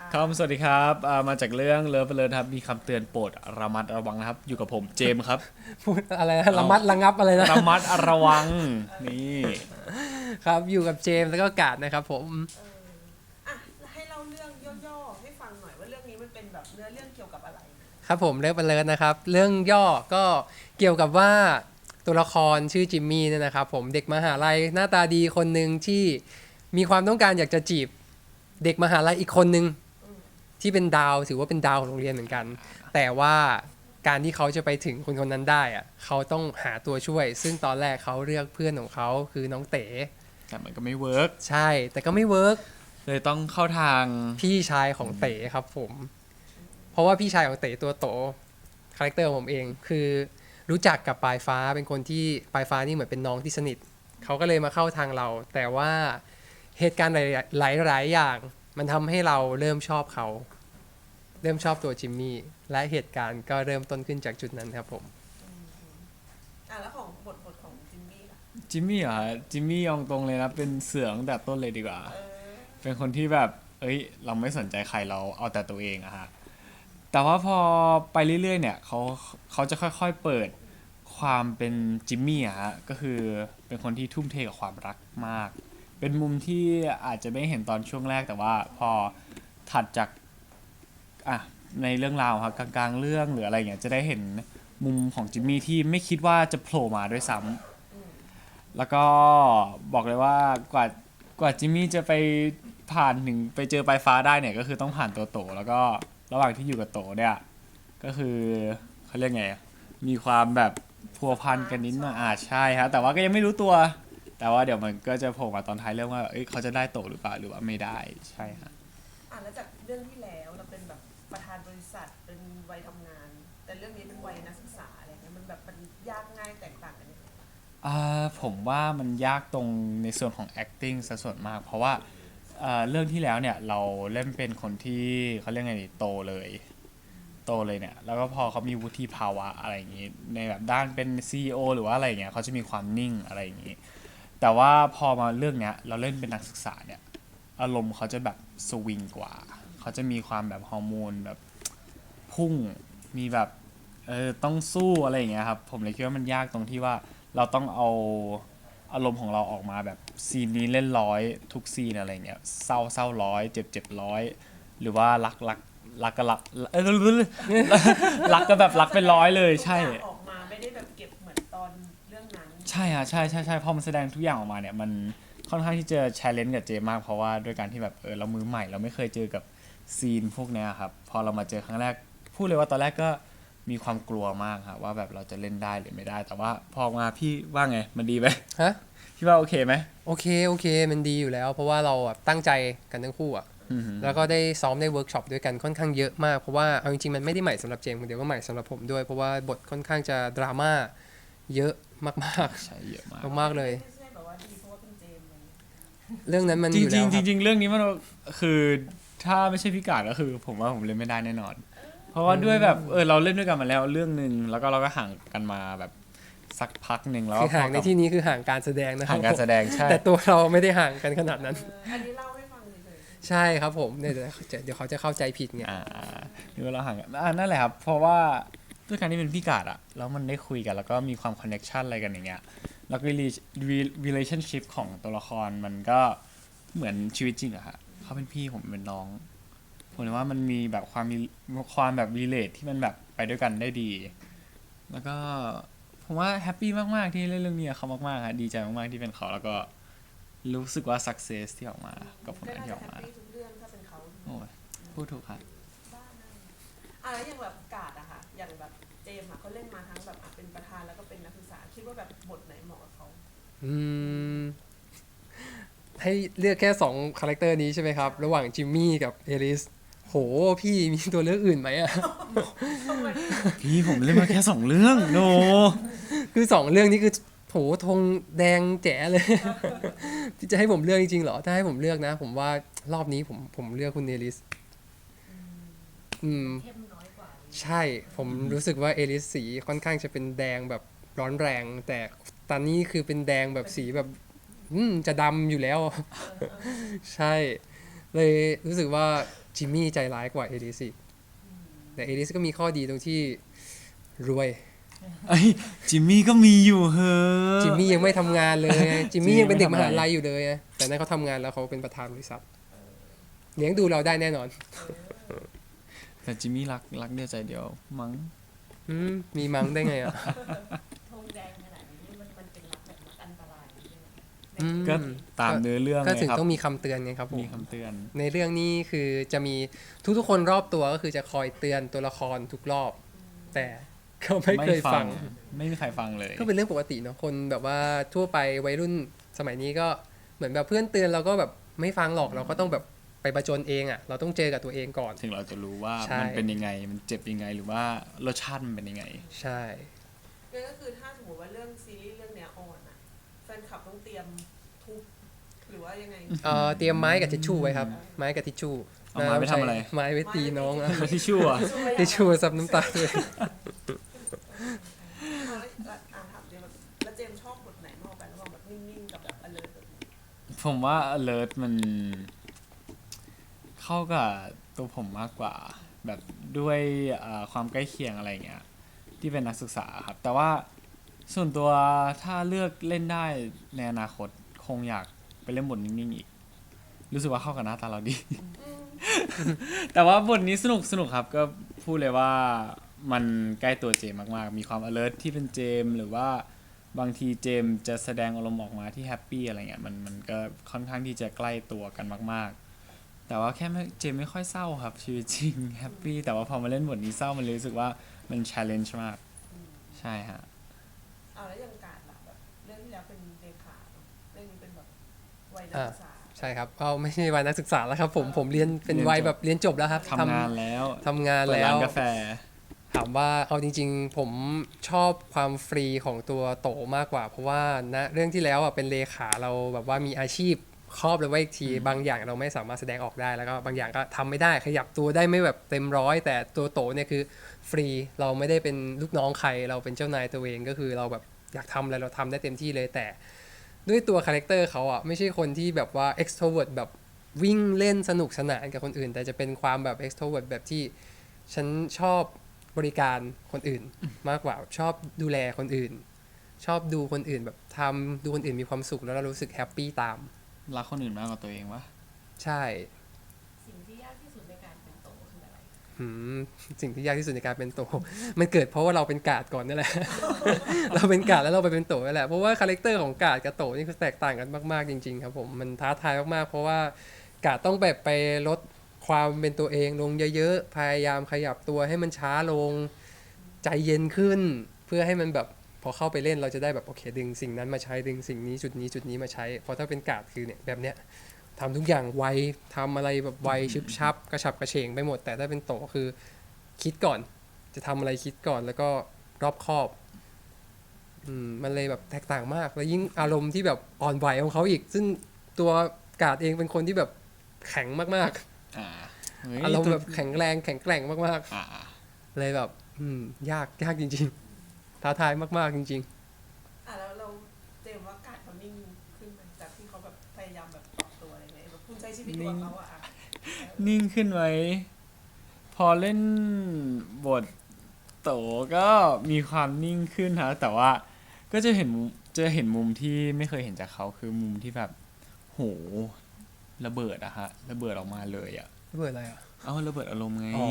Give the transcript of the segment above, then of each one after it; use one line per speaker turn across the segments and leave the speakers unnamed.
ครับสวัสดีครับมาจากเรื่องเลิฟเลิฟครับมีคำเตือนโปรดระมัดระวังนะครับอยู่กับผมเจมส์ครับ
พูดอะไรนะระ
เอา
มัดระงับอะไรนะ
ระมัดระวังนี่
ครับอยู่กับเจมส์แล้วก็กาดนะครับผม
อ่ะให้เล่าเรื่องย่อๆให้ฟังหน่อยว่าเรื่องนี้มันเป็นแบบเนื้อเรื่องเกี่ยวกับอะไร
ครับผมเลิฟเลิฟนะครับเรื่องย่อก็เกี่ยวกับว่าตัวละครชื่อจิมมี่เนี่ยนะครับผมเด็กมหาลัยหน้าตาดีคนหนึ่งที่มีความต้องการอยากจะจีบเด็กมหาลัยอีกคนหนึ่งที่เป็นดาวถือว่าเป็นดาวของโรงเรียนเหมือนกันแต่ว่าการที่เขาจะไปถึงคนคนนั้นได้อะเขาต้องหาตัวช่วยซึ่งตอนแรกเขาเลือกเพื่อนของเขาคือน้องเต๋
แต่มันก็ไม่เวิร์ก
ใช่แต่ก็ไม่เวิร์ก
เลยต้องเข้าทาง
พี่ชายของเต๋ครับผมเพราะว่าพี่ชายของเต๋ตัวโตคาแรคเตอร์ของผมเองคือรู้จักกับปลายฟ้าเป็นคนที่ปลายฟ้านี่เหมือนเป็นน้องที่สนิทเขาก็เลยมาเข้าทางเราแต่ว่าเหตุการณ์หลายอย่างมันทำให้เราเริ่มชอบเขาเริ่มชอบตัวจิมมี่และเหตุการณ์ก็เริ่มต้นขึ้นจากจุดนั้นครับผม
แล้วของบทของจิมมี่ล่ะ
จิมมี่เหรอฮะจิมมี่ยองตรงเลยนะเป็นเสือตั้งแต่ต้นเลยดีกว่าเป็นคนที่แบบเราไม่สนใจใครเราเอาแต่ตัวเองอะฮะแต่ว่าพอไปเรื่อยๆเนี่ยเขาจะค่อยๆเปิดความเป็นจิมมี่อะฮะก็คือเป็นคนที่ทุ่มเทกับความรักมากเป็นมุมที่อาจจะไม่เห็นตอนช่วงแรกแต่ว่าพอถัดจากอ่ะในเรื่องราวครับกลางๆเรื่องหรืออะไรเงี้ยจะได้เห็นมุมของจิมมี่ที่ไม่คิดว่าจะโผล่มาด้วยซ้ำแล้วก็บอกเลยว่ากว่าจิมมี่จะไปผ่านถึงไปเจอปลายฟ้าได้เนี่ยก็คือต้องผ่านตัวโตแล้วก็ระหว่างที่อยู่กับโตเนี่ยก็คือเขาเรียกไงมีความแบบพัวพันกันนิดหน่อยใช่ฮะแต่ว่าก็ยังไม่รู้ตัวแต่ว่าเดี๋ยวมันก็จะโผล่มาตอนท้ายเรื่องว่าเขาจะได้โตหรือเปล่าหรือว่าไม่ได้ใช่ฮะ
แล้วจากเรื่องที่แล้วเราเป็นแบบประธานบริษัทเป็นวัยทำงานแต่เรื่องนี้เป็นวัยนักศึกษาอะไรเงี้ยมันแบบมันยากง่ายแตกต่างกันยังไง
ผมว่ามันยากตรงในส่วนของ acting ซะส่วนมากเพราะว่าเรื่องที่แล้วเนี่ยเราเล่นเป็นคนที่เขาเรียกไงดีโตเลยเนี่ยแล้วก็พอเขามีวุฒิภาวะอะไรอย่างนี้ในแบบด้านเป็น CEO หรือว่าอะไรอย่างเงี้ยเขาจะมีความนิ่งอะไรอย่างนี้แต่ว่าพอมาเรื่องเนี้ยเราเล่นเป็นนักศึกษาเนี่ยอารมณ์เขาจะแบบสวิงกว่าเขาจะมีความแบบฮอร์โมนแบบพุ่งมีแบบต้องสู้อะไรอย่างเงี้ยครับผมเลยคิดว่ามันยากตรงที่ว่าเราต้องเอาอารมณ์ของเราออกมาแบบซีนนี้เล่นร้อยทุกซีนอะไรเงี้ยเศร้าร้อยเจ็บร้อยหรือว่ารักก็รักรักก็แบบรักเป็นร้อยเลยใช่
ทุกอย่างออกมาไม่ได้แบบเก็บเหมือนตอนเรื่องนั้น
ใช่ฮะใช่พอมันแสดงทุกอย่างออกมาเนี่ยมันค่อนข้างที่จะแชร์เลนจ์กับเจมากเพราะว่าด้วยการที่แบบเรามือใหม่เราไม่เคยเจอกับซีนพวกเนี้ยครับพอเรามาเจอครั้งแรกพูดเลยว่าตอนแรกก็มีความกลัวมากครับว่าแบบเราจะเล่นได้หรือไม่ได้แต่ว่าพอมาพี่ว่าไงมันดีไหม
ฮะ
พี่ว่าโอเคไหม
โอเคมันดีอยู่แล้วเพราะว่าเราแบบตั้งใจกันทั้งคู่อะแล้วก็ได้ซ้อมได้เวิร์กช็อปด้วยกันค่อนข้างเยอะมากเพราะว่าเอาจริงๆมันไม่ได้ใหม่สำหรับเจมส์คนเดียวก็ใหม่สำหรับผมด้วยเพราะว่าบทค่อนข้างจะดราม่าเยอะมาก
ใช่เยอะมาก
ๆมากๆเลย
ไม่ใช่แบบว่าดีเพราะว่าเป็นเจมส์เลย
เรื่องนั้นมัน
จ
อยู่แล้วครับ
ริงๆจริงๆเรื่องนี้มันคือถ้าไม่ใช่พิการก็คือผมว่าผมเล่นไม่ได้แน่นอนเพราะว่าด้วยแบบเราเล่นด้วยกันมาแล้วเรื่องหนึ่งแล้วก็เราก็ห่างกันมาแบบสักพักหนึ่งแล้ว
คือห่างในที่นี้คือห่างการแสดงนะครับ
ห่างการแสดงใช่
แต่ตัวเราไม่ได้ห่างกันขนาดนั้น
อันนี้เล่าให้ฟังเฉย
ใช่ครับผมเนี่ยเดี๋ยวเขาจะเข้าใจผิดไง
นี่ว่าเราห่างกันนั่นแหละครับเพราะว่าด้วยการที่เป็นพี่กาดอะแล้วมันได้คุยกันแล้วก็มีความคอนเนคชันอะไรกันอย่างเงี้ยแล้วก็ relationship ของตัวละครมันก็เหมือนชีวิตจริงอะฮะเขาเป็นพี่ผมเป็นน้องผมเลยว่ามันมีแบบความแบบ relate ที่มันแบบไปด้วยกันได้ดีแล้วก็ผมว่าแฮปปี้มากๆที่เล่นเรื่องนี้กับเขามากๆฮะดีใจมากๆที่เป็นเขาแล้วก็รู้สึกว่า success ที่ออกมากับผ
ๆก็
ลงาน
น่า
ที่ออกมา
จะแฮปปี้ทุกเรื่องถ้าเป็นเขา
โอ้ยพูดถูกครับ
บ้านนั่นแล้วอย่างแบบกาดอะค่ะอย่างแบบเจมส์อะเขาเล่นมาทั้งแบบเป็นประธานแล้วก็เป็นนักศึกษาคิดว่าแบบบทไหนเหมาะกับเขา
อืมให้เลือกแค่2คาแรคเตอร์นี้ใช่ไหมครับระหว่างจิมมี่กับเอลิสโหพี่มีตัวเลือกอื่นไหมอะ
ทำไม
พี่ผมเล่นมาแค่2 เรื่องโน
คือ2เรื่องนี้คือโหธงแดงแจ๋เลย ที่จะให้ผมเลือกจริงๆเหรอถ้าให้ผมเลือกนะผมว่ารอบนี้ผมเลือกคุณเอลิสอืม
เข้มน้อยกว่า
ใช่ผมรู้สึกว่าเอลิสสีค่อนข้างจะเป็นแดงแบบร้อนแรงแต่ตอนนี้คือเป็นแดงแบบสีแบบจะดำอยู่แล้ว ใช่เลยรู้สึกว่าจิมมี่ใจร้ายกว่าเอลิสอีกแต่เอลิสก็มีข้อดีตรงที่รวย
ไอ้ยจิมมี่ก็มีอยู่เฮ้อ
จิมมี่ยังไม่ทำงานเลยไงจิมมี่ยังเป็นเด็กมหาลัยอยู่เลยไงแต่นั่นเขาทำงานแล้วเขาเป็นประธานบริษัทเลี้ยงดูเราได้แน่นอน
แต่จิมมี่รักเดียวใจเดียวมั้ง
มีมั้งได้ไงอ่ะ
ธงแดงขนาดนี้มันเป็นรักแบบรักอันตรายใช่ไหม
ก็ตามเนื้อเรื่อง
ก็
เลย
ถึง
ครับ
ต้องมีคำเตือนไงครับผม
มีคำเตือน
ในเรื่องนี้คือจะมีทุกๆคนรอบตัวก็คือจะคอยเตือนตัวละครทุกรอบ แต่เขาไม่เคยฟัง
ไม่มีใครฟังเลย
ก็เป็นเรื่องปกติเนาะคนแบบว่าทั่วไปวัยรุ่นสมัยนี้ก็เหมือนแบบเพื่อนเตือนเราก็แบบไม่ฟังหรอกเราก็ต้องแบบไปประจนเองอ่ะเราต้องเจอกับตัวเองก่อน
ถึงเราจะรู้ว่า
ใช่
มันเป็นยังไงมันเจ็บยังไงหรือว่ารสชาติมันเป็นยังไง
ใช่
นั่นก็คือถ้าสมมติว่าเรื่องซีรีส์เรื่องเนี้ยออนอะแฟนคลับต้องเตรียมทุบหรือว่ายังไง
เตรียมไม้กับทิชชู่ไว้ครับไม้กับทิชชู่
เอาไม้ไปทำอะไร
ไม้ไว้ตีน้องอะ
ทิชชู่อะ
ทิชชู่ซับน้ำตาเลย
ถามเจมส์แล้วเจมส์ชอบบทไหนมากกว่ากันระหว่างแบบนิ่งๆกับแบบ alert แบบนี้
ผมว่า alert มันเข้ากับตัวผมมากกว่า แบบด้วยความใกล้เคียงอะไรเงี้ยที่เป็นนักศึกษาครับ แต่ว่าส่วนตัวถ้าเลือกเล่นได้ในอนาคตคงอยากไปเล่นบทนิ่งๆอีก รู้สึกว่าเข้ากับหน้าตาเราดี แต่ว่าบทนี้สนุกครับก็พูดเลยว่ามันใกล้ตัวเจมมากๆ มีความ alert ที่เป็นเจมหรือว่าบางทีเจมจะแสดงอารมณ์ออกมาที่แฮปปี้อะไรเงี้ยมันก็ค่อนข้างที่จะใกล้ตัวกันมากๆ แต่ว่าแค่เจมไม่ค่อยเศร้าครับชีวิตจริงแฮปปี้แต่ว่าพอมาเล่นบทนี้เศร้ามันเลยรู้สึกว่ามัน challenge มากใช่ฮะ
แล้วอย่างการล่ะแบบเรื่องที่แล้วเป็นเลขาเนอะเรื่องนี้เป็นแบบวัยนักศึกษา
ใช่ครับเอาไม่ใช่วัยนักศึกษาแล้วครับผมเรียนเป็นวัยแบบเรียนจบแล้วครับ
ทำงานแล้ว
ทำงาน
เปิด
แล้
ร้าน
ว
กาแฟ
ถามว่าเอาจริงๆ ผมชอบความฟรีของตัวโตมากกว่า เพราะว่าณเรื่องที่แล้วอ่ะเป็นเลขาเราแบบว่ามีอาชีพครอบเลยว่าอีกทีบางอย่างเราไม่สามารถแสดงออกได้แล้วก็บางอย่างก็ทำไม่ได้ขยับตัวได้ไม่แบบเต็มร้อยแต่ตัวโตเนี่ยคือฟรีเราไม่ได้เป็นลูกน้องใครเราเป็นเจ้านายตัวเองก็คือเราแบบอยากทำอะไรเราทำได้เต็มที่เลยแต่ด้วยตัวคาแรคเตอร์เขาอ่ะไม่ใช่คนที่แบบว่า extrovert แบบวิ่งเล่นสนุกสนานกับคนอื่น แต่จะเป็นความแบบ extrovert แบบที่ฉันชอบบริการคนอื่นมากกว่าชอบดูแลคนอื่น ชอบดูคนอื่นแบบทำดูคนอื่นมีความสุขแล้วเรารู้สึกแฮปปี้ตาม
รักคนอื่นมากกว่าตัวเองวะ
ใช่
สิ่งที่ยากที่สุดในการเป็นโตคืออะไร
หืมสิ่งที่ยากที่สุดในการเป็นโต มันเกิดเพราะว่าเราเป็นกาดก่อนนี่แหละ เราเป็นกาดแล้วเราไปเป็นโตนี่แหละเพราะว่าคาแรคเตอร์ของกาดกับโตนี่คือแตกต่างกันมากๆจริงๆครับผมมันท้าทายมากๆเพราะว่ากาดต้องแบบไปลดความเป็นตัวเองลงเยอะๆพยายามขยับตัวให้มันช้าลงใจเย็นขึ้น เพื่อให้มันแบบพอเข้าไปเล่นเราจะได้แบบโอเคดึงสิ่งนั้นมาใช้ดึงสิ่งนี้จุดนี้มาใช้เพราะถ้าเป็นกาดคือเนี่ยแบบเนี้ย ทำทุกอย่างไวทำอะไรแบบไวชึบชับกระฉับกระเฉงไปหมด แต่ถ้าเป็นโตคือคิดก่อน จะทำอะไรคิดก่อนแล้วก็รอบคอบมันเลยแบบแตกต่างมาก แล้วยิ่งอารมณ์ที่แบบอ่อนไหวของเขาอีก ซึ่งตัวกาดเองเป็นคนที่แบบแข็งมาก
อ่าเฮ้ย
ๆ อารมณ์แบบแข็งแรงแข็งแกร่งมาก
อ่า
ๆ เลยแบบยากจริงๆ ท้าทายมากๆจริง
แล้วเราเจมส์ว่าการเขานิ่งขึ้นไหมจากที่เขาแบบพยายามแบบปรับตัวอะไรเงี้ยแบบคุณใช้ชีวิตตัวเขาอะ
นิ่งขึ้นไว้ พอเล่นบทโตก็มีความนิ่งขึ้นฮะแต่ว่าก็จะเห็นมุมที่ไม่เคยเห็นจากเขาคือมุมที่แบบโหระเบิดอะฮะระเบิดออกมาเลยอะ
ๆเบื่ออะไรอ่ะ
เอ้าระเบิดอารมณ์ไง
อ๋อ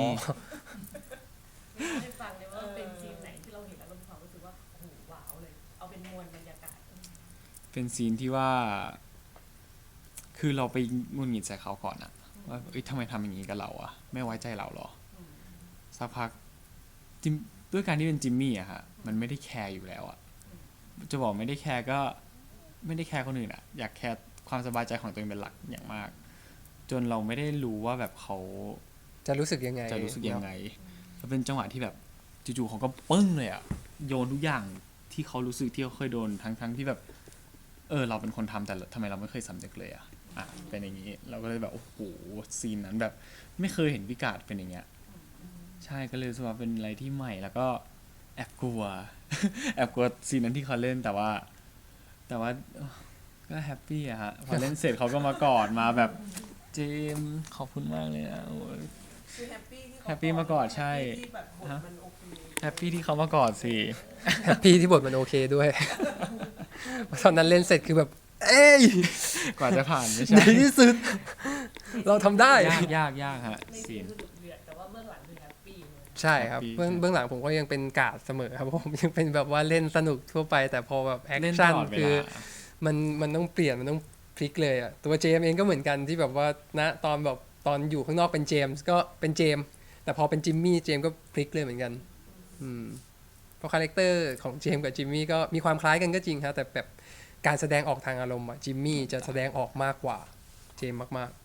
ให้ฟังเลยว่าเป็นซีนไหนที่เราเห็นแล้วเรามีความรู้สึกว่าโอ้โหว้าวเลย เอาเป็นมวลบรรยากาศ
เป็นซีนที่ว่า คือเราไปงุนหงิดใส่เขาก่อนอะว่าเอ้ยทำไมทำอย่างนี้กับเราอะไม่ไว้ใจเราเหรอสักพักด้วยการที่เป็นจิมมี่อะฮะมันไม่ได้แคร์อยู่แล้วอะจะบอกไม่ได้แคร์ก็ไม่ได้แคร์คนอื่นอะอยากแคร์ความสบายใจของตัวเองเป็นหลักอย่างมาก จนเราไม่ได้รู้ว่าแบบเขา
จะรู้สึกยังไง
จะรู้สึกยังไงแล้วเป็นจังหวะที่แบบจู่ๆเขาก็ปึ้งเลยอะโยนทุกอย่างที่เขารู้สึกที่เขาเคยโดนทั้งที่แบบเราเป็นคนทำแต่ทำไมเราไม่เคยสำนึกเลยอะเป็นอย่างนี้เราก็เลยแบบโอ้โหซีนนั้นแบบไม่เคยเห็นพิกาดเป็นอย่างเงี้ยใช่ก็เลยรู้สึกว่าเป็นอะไรที่ใหม่แล้วก็แอบกลัว แอบกลัวซีนนั้นที่เขาเล่นแต่ว่าก็แฮปปี้อะฮะพอเล่นเสร็จเขาก็มากอดมาแบบเจมส์ขอบคุณมากเลยนะโอ้ย
คือแฮปปี้ที่เข
แฮปปี้มากอดใช่
แฮปปี้ที่แบบบทมันโอเค
แฮปปี้ที่เขามากอดสิ
แฮปปี้ที่บทมันโอเคด้วย ตอนนั้นเล่นเสร็จคือแบบ เอ้ย
กว่าจะผ่านไม่
ใน
ใช่
ที่สุด เราทำได้
ยากฮะ
ใน
ซี
ซีน
น
คือดุเดือดแต่ว่าเบื้องหลังคือแฮปปี้เลย
ใช่ครับ
Happy
เบื้องหลังผมก็ยังเป็นกาดเสมอครับผมยังเป็นแบบว่าเล่นสนุกทั่วไป แต่พอแบบแอค
เล่นต
ชั่น
ลอดเว
คือ
ลา
มันต้องเปลี่ยนมันต้องพลิกเลยอะตัวเจมส์เองก็เหมือนกันที่แบบว่าณตอนแบบตอนอยู่ข้างนอกเป็นเจมส์ก็เป็นเจมส์แต่พอเป็นจิมมี่เจมส์ก็พลิกเลยเหมือนกันเพราะคาแรคเตอร์ของเจมส์กับจิมมี่ก็มีความคล้ายกันก็จริงครับแต่แบบการแสดงออกทางอารมณ์อะจิมมี่จะแสดงออกมากกว่าเจมส์มาก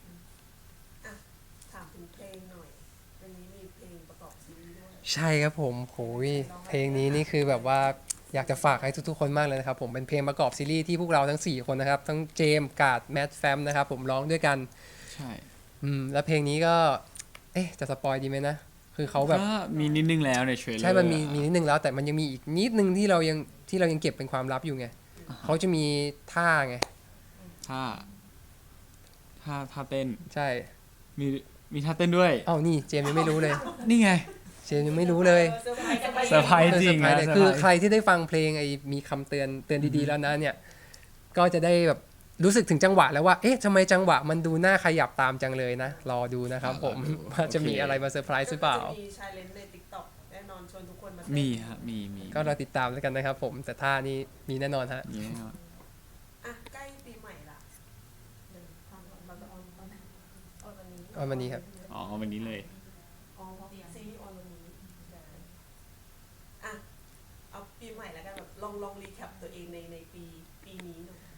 ถามถึงเพลงหน่อยวันนี้มีเพลงประกอบซีรีส์ด้วย
ๆ ใช่ครับผมโหยเพลงนี้นี่คือแบบว่าอยากจะฝากให้ทุกๆคนมากเลยนะครับผมเป็นเพลงประกอบซีรีส์ที่พวกเราทั้ง4คนนะครับทั้งเจมส์กาดแมทแฟมนะครับผมร้องด้วยกัน
ใช่
แล้วเพลงนี้ก็จะสปอยดีไหมนะคือเขาแบบ
ก็มีนิดนึงแล้วในเทรลเลอร์
ใช่มันมีนิดนึงแล้วแต่มันยังมีอีกนิดนึงที่เรายังเก็บเป็นความลับอยู่ไงเขาจะมีท่าไง
ท่าเต้น
ใช่
มีท่าเต้นด้วย
เอ้านี่เจมส์ยังไม่รู้เลย
นี่ไง
เจมส์ยังไม่รู้เลย
เซอร์ไพรส์
เซอร์ไพรส์จริง
เออ
นะ
เซอร์ไพรส์เลย
เซอร์ไพรส์
คือใครที่ได้ฟังเพลงมีคำเตือนดีๆแล้วนะเนี่ยก็จะได้แบบรู้สึกถึงจังหวะแล้วว่าเอ๊ะทำไมจังหวะมันดูน่าขยับตามจังเลยนะรอดูนะครับผมว่าจะมีอะไรมาเซอร์ไพรส์หรือเปล่า
จะมีชาเลนจ์ใน TikTok แน่นอนชวนทุกคนมาเต้น
มีฮะมี
ก็เราติดตามแล้วกันนะครับผมแต่ท่านี้มีแน่นอนฮะ
มีแน่นอน
อ่ะใกล้ปีใหม่ละ
เดินทางเราจะออนตอนไหนออนวันนี้
ออนวันนี้ครับ
อ๋อวันนี้เลย
อ๋อซีรีส์ออนวันนี้ได้อ่ะเอาปีใหม่แล้วกันแบบลองรีแคปตัวเองในปีนี้หน่อย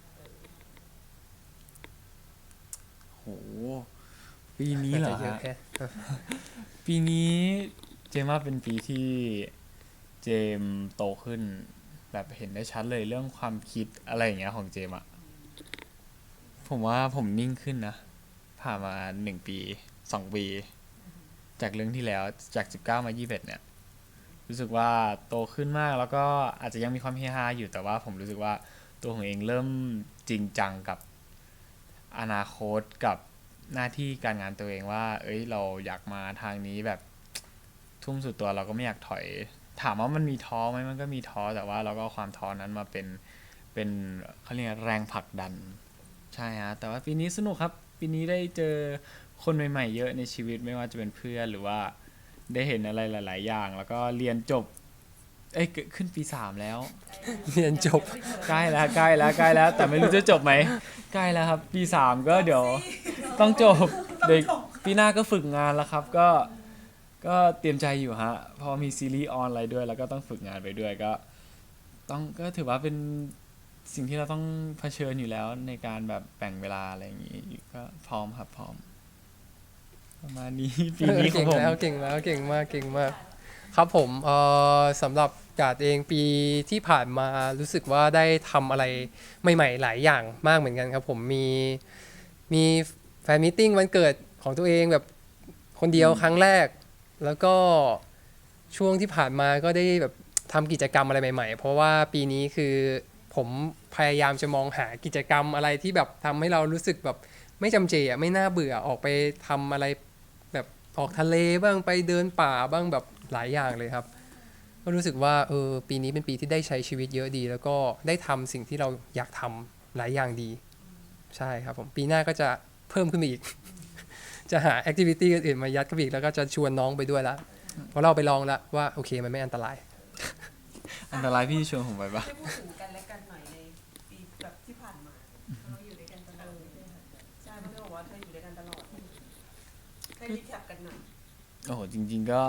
โหปีนี้เหรอ
จะเยอะ
ฮะ
แค่
ปีนี้เจมว่าเป็นปีที่เจมโตขึ้น แบบเห็นได้ชัดเลยเรื่องความคิดอะไรอย่างเงี้ยของเจมอะผมว่าผมนิ่งขึ้นนะผ่านมา1 ปี2 ปี จากเรื่องที่แล้วจาก19มา21เนี่ย รู้สึกว่าโตขึ้นมากแล้วก็อาจจะยังมีความเฮฮาอยู่แต่ว่าผมรู้สึกว่าตัวของเองเริ่มจริงจังกับอนาคตกับหน้าที่การงานตัวเองว่า เอ้ยเราอยากมาทางนี้แบบทุ่มสุดตัวเราก็ไม่อยากถอย ถามว่ามันมีท้อไหมมันก็มีท้อแต่ว่าเราก็เอาความท้อนั้นมาเป็นเขาเรียกแรงผลักดันใช่ฮะแต่ว่าปีนี้สนุกครับปีนี้ได้เจอคนใหม่ๆเยอะในชีวิตไม่ว่าจะเป็นเพื่อนหรือว่าได้เห็นอะไรหลาย ๆ อย่าง แล้วก็เรียนจบขึ้นปี 3 แล้ว
เรียนจบ
ใกล้แล้วแต่ไม่รู้จะจบไหมใกล้แล้วครับปี 3ก็เดี๋ยวต้องจบเดี๋ยวปีหน้าก็ฝึกงานแล้วครับก็เตรียมใจอยู่ฮะเพราะมีซีรีส์ออนอะไรด้วย แล้วก็ต้องฝึกงานไปด้วยก็ถือว่าเป็นสิ่งที่เราต้องเผชิญอยู่แล้วในการแบบแบ่งเวลาอะไรอย่างนี้ก็พร้อมครับพร้อมประมาณนี้ ปีนี้ของผม
เก่งมากครับผมสำหรับกาดเองปีที่ผ่านมารู้สึกว่าได้ทำอะไรใหม่ๆหลายอย่างมากเหมือนกันครับผมมีแฟนมิทติ้งวันเกิดของตัวเองแบบคนเดียวครั้งแรก แล้วก็ช่วงที่ผ่านมาก็ได้แบบทำกิจกรรมอะไรใหม่ๆ เพราะว่าปีนี้คือผมพยายามจะมองหากิจกรรมอะไรที่แบบทำให้เรารู้สึกแบบไม่จำเจไม่น่าเบื่อออกไปทำอะไรแบบออกทะเลบ้างไปเดินป่าบ้างแบบหลายอย่างเลยครับก็รู้สึกว่าปีนี้เป็นปีที่ได้ใช้ชีวิตเยอะดี แล้วก็ได้ทำสิ่งที่เราอยากทำหลายอย่างดีใช่ครับผมปีหน้าก็จะเพิ่มขึ้นมาอีก จะหาแอคทิวิตี้อื่นๆมายัดเข้าไปอีกแล้วก็จะชวนน้องไปด้วยละเพราะเราไปลองแล้วว่าโอเคมันไม่อันตราย
อันตรายพี่ชวนผมไปปะ
ให้พูดถึงกันและกันหน่อยในปีแบบที่ผ่านมา
เราอยู่ด้วยกันตลอดเลยค่ะ
ใช่เพราะเธอบอกว่าเธออยู่ด้วยกันตลอดให้รีแคปกันหน่อย
โอ้โหจริง ๆก็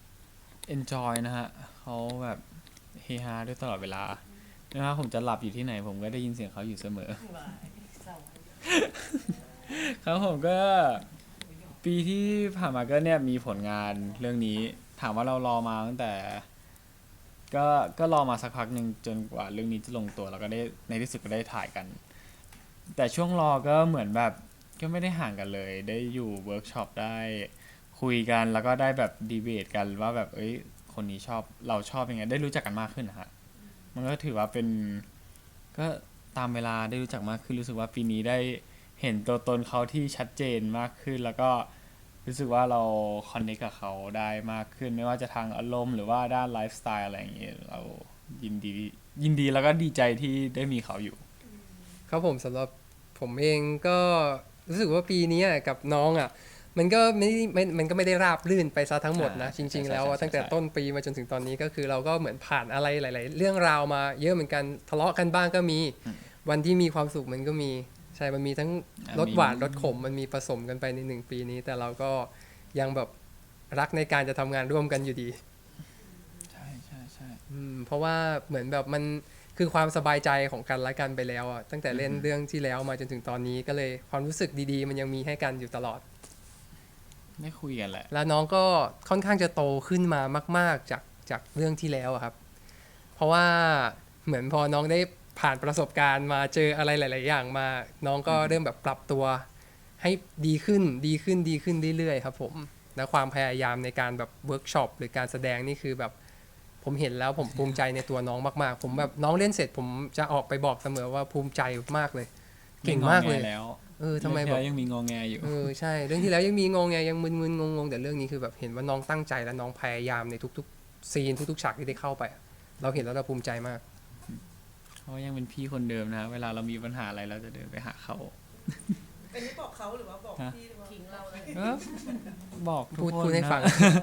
enjoy นะฮะเขาแบบเฮฮาด้วยตลอดเวลาไม่ว่าผมจะหลับอยู่ที่ไหนผมก็ได้ยินเสียงเขาอยู่เสมอ
วายเศร้า
ครับผมก็ปีที่ผ่านมาก็เนี่ยมีผลงานเรื่องนี้ ถามว่าเรารอมาตั้งแต่ก็รอมาสักพักหนึ่งจนกว่าเรื่องนี้จะลงตัวแล้วก็ได้ในที่สุดก็ได้ถ่ายกัน แต่ช่วงรอก็เหมือนแบบก็ไม่ได้ห่างกันเลย ได้อยู่เวิร์กช็อปได้คุยกันแล้วก็ได้แบบดีเบตกันว่าแบบคนนี้ชอบเราชอบยังไงได้รู้จักกันมากขึ้นนะฮะมันก็ถือว่าเป็นก็ตามเวลาได้รู้จักมากขึ้นรู้สึกว่าปีนี้ได้เห็นตัวตนเขาที่ชัดเจนมากขึ้น แล้วก็รู้สึกว่าเราคอนเนคกับเขาได้มากขึ้น ไม่ว่าจะทางอารมณ์หรือว่าด้านไลฟ์สไตล์อะไรอย่างเงี้ยเรายินดีแล้วก็ดีใจที่ได้มีเขาอยู่
ครับผมสำหรับผมเองก็รู้สึกว่าปีนี้กับน้องมันก็มันก็ไม่ได้ราบรื่นไปซะทั้งหมดนะ
ใช่
จริง ๆ แล้ว
ใช่
ตั้งแต่ต้นปีมาจนถึงตอนนี้ก็คือเราก็เหมือนผ่านอะไรหลาย ๆ เรื่องราวมาเยอะเหมือนกันทะเลาะกันบ้างก็มี วันที่มีความสุขมันก็มีใช่มันมีทั้งรสหวานรสขมมันมีผสมกันไปใน1 ปีนี้ แต่เราก็ยังแบบรักในการจะทำงานร่วมกันอยู่ดี
ใช่ใช่ใช่
เพราะว่าเหมือนแบบมันคือความสบายใจของกันและกันไปแล้วตั้งแต่เล่นเรื่องที่แล้วมาจนถึงตอนนี้ก็เลยความรู้สึกดีๆ มันยังมีให้กันอยู่ตลอด
ไม่คุยกันแหละ
แล้วน้องก็ค่อนข้างจะโตขึ้นมามากๆจากเรื่องที่แล้วครับ เพราะว่าเหมือนพอน้องได้ผ่านประสบการณ์มาเจออะไรหลาย ๆ อย่างมา น้องก็เริ่มแบบปรับตัวให้ดีขึ้นเรื่อยๆครับผมและความพยายามในการแบบเวิร์กช็อปหรือการแสดงนี่คือแบบผมเห็นแล้วผมภูมิใจในตัวน้องมากๆ ผมแบบน้องเล่นเสร็จผมจะออกไปบอกเสมอว่าภูมิใจมากเลย เก่งมากเลย
ไงอแงแล้ว
ทำไมแบบ
เรื่องที่แล้วยังมีงอแงอยู่
ใช่เรื่องที่แล้วยังมีงงไงยังมึนๆงงๆแต่เรื่องนี้คือแบบเห็นว่าน้องตั้งใจและน้องพยายามในทุกๆซีนทุกๆฉากที่ได้เข้าไป เราเห็นแล้วเราภูมิใจมาก
เขายังเป็นพี่คนเดิมนะ เวลาเรามีปัญหาอะไรเราจะเดินไปหาเขา
อันนี้บอกเขาหรือว่าบอกพี่หรือว่า
ทิ้งเราเลย
เออบอกทุก
พูด
คน
พูดให้
นะ
ฟัง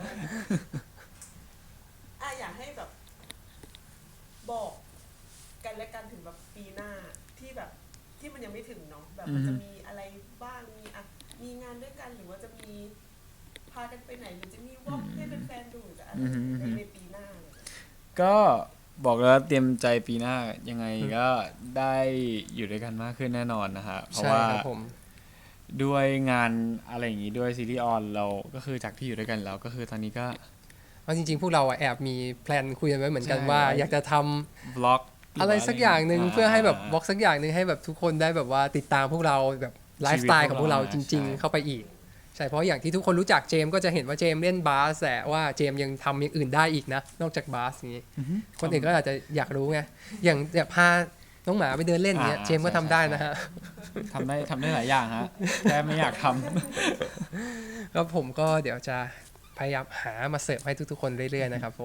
อยากให้แบบบอกกันและกันถึงแบบปีหน้าที่แบบที่มันยังไม่ถึงเนาะแบบมันจะมีอะไรบ้างมีงานด้วยกันหรือว่าจะมีพากันไปไหนหรือจะมีวอล์กให้แฟนๆดูหรือจะอะไรในปีหน้าเลย
ก็บอกแล้วเตรียมใจปีหน้ายังไงก็ได้อยู่ด้วยกันมากขึ้นแน่นอนนะฮะเพราะ
ใช่
ว่า
ครับผม
ด้วยงานอะไรอย่างงี้ด้วยซีรีส์ออนเราก็คือจากที่อยู่ด้วยกันแล้วก็คือตอนนี้ก็
เพราะจริงๆ พวกเราแอบมีแพลนคุยกันไว้เหมือนกัน
ใช่
ว่าอยากจะทำ
บล็อก
อะไรสักอย่างหนึ่งเพื่อให้แบบบล็อกสักอย่างหนึ่งให้แบบทุกคนได้แบบว่าติดตามพวกเราแบบไลฟ์สไตล์ของพวกเราจริง ๆ เข้าไปอีกใช่เพราะอย่างที่ทุกคนรู้จักเจมส์ก็จะเห็นว่าเจมส์เล่นบาสแต่ว่าเจมส์ยังทำอย่างอื่นได้อีกนะนอกจากบาสอย่างนี้ คนอื่นก็อาจจะอยากรู้ไงอย่างพาน้องหมาไปเดินเล่นอย่างเงี้ยเจมส์ก็ทำได้นะฮะ
ทำได้หลายอย่างฮะแค่ไม่อยากท
ก็ผมก็เดี๋ยวจะพยายามหามาเสิร์ฟให้ทุกๆคนเรื่อยๆนะครับผม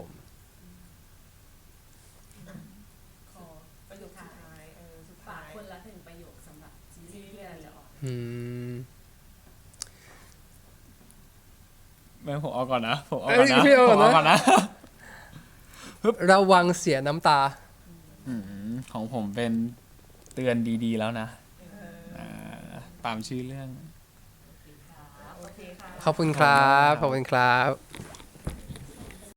ขอประโยคสุดท้ายสุด
ฝา
ท้าก ย
คนละหนึ่งประโยคสำหรับซีรีส์ที่เราจะออก
อืม
ำไม่ผมเอาก่อนนะผมเอา
เอ้
ก่อย นนะ
พี่เอา
ผ
ก่อน
ม
นะ
เอาก่อนนะ
ระวังเสียน้ำตา
ของผมเป็นเตือนดีๆแล้วนะตามชื่อเรื่อง
โอเคค่ะ
ขอบคุณครับ ขอบคุณครับ